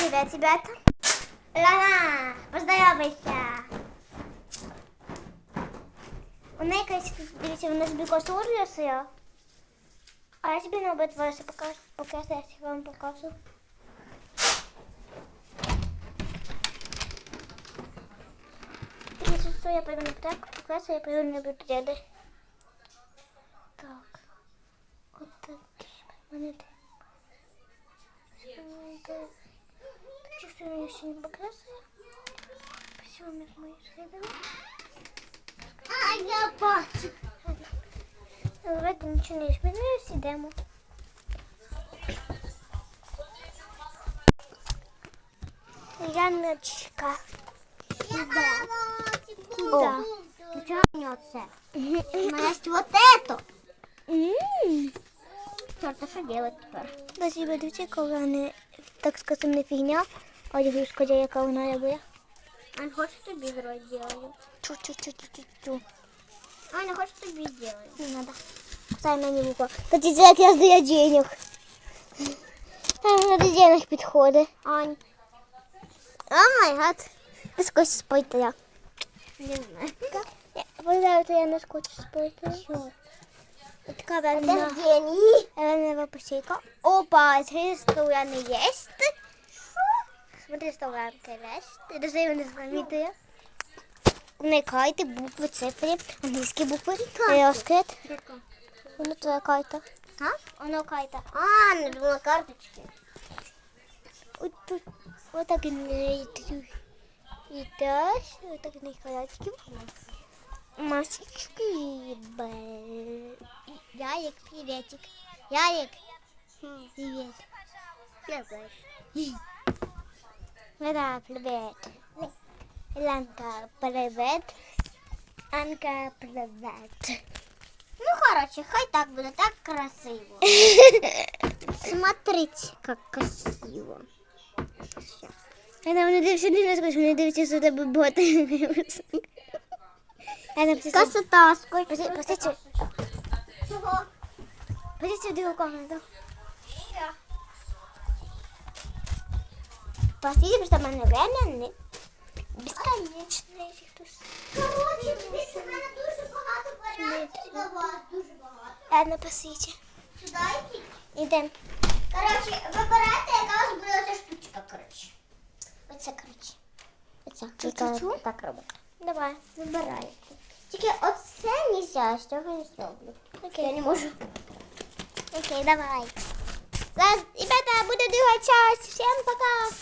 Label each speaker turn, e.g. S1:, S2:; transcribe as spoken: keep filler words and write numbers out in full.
S1: Привет, ребята. Лана, поздоровайся. У неї якась, дивіться, вона собі косу рисує. А я собі на обид волосся покажу, поки я вам покажу. Если что, я пойду на так, покрасу, я пойду на бюджеты. Так. Вот такие монеты. Чувствую, я еще не покрасила. Все, мои следы. А, я бачу. Давайте ничего не изменилось, идем. Яночка. Да. Куда? Ничего мнется. У меня есть вот это. Черт, а что делать теперь? Спасибо, дивіться, коли вони, так скажем, не фігня, а дивіться, яка вона робить. Аня, хочешь тобі сделаю? Чу-чу-чу-чу-чу. Аня, хочешь тобі сделаю? Не надо. Кусай мені вухо. Хотите, як я здаю денег. Там надо денег підходить. Ань. О май гад. Ти скочиш спойти я. Не знаю. Я пожалуй, я не скочу спойти. Що? Така верна. Деньги. Верна посейка. Опа, средства у меня есть. Смотри, что рамка есть. Ты даже его не заметила. Вникайте букви, цифри, англійські букви. Розкрит. Воно твоя карта. А? Воно карта. А, не думала карточки. Ось тут. Ось так і не і теж. Ось так не халатиків. Масочки. Ярик, приветик. Ярик. Привет. Я знаю. Да, привет. Ланка, привет. Анка, привет. Ну, короче, хай так будет, так красиво. Смотрите, как красиво. Она мне дивится, не скажу, мне дивится, что это боты. Красота, сколько. Посмотрите. Чего? Посмотрите в другую комнату. Посмотрите, что мы время бесконечные. Короче, дивіться, в мене дуже багато варіантів для вас, дуже багато. Ладно, посидіть. Сюди йдіть? Ідемо. Короче, вибирайте, яка у вас буде ця штучка, короче. Оце, короче. Оце. Чу-чу-чу? Так робимо. Давай, вибирайте. Тільки оце нельзя, з цього не зроблю. Окей. Я не можу. Окей, давай. Зараз, ребята, буде друга часть. Всім пока.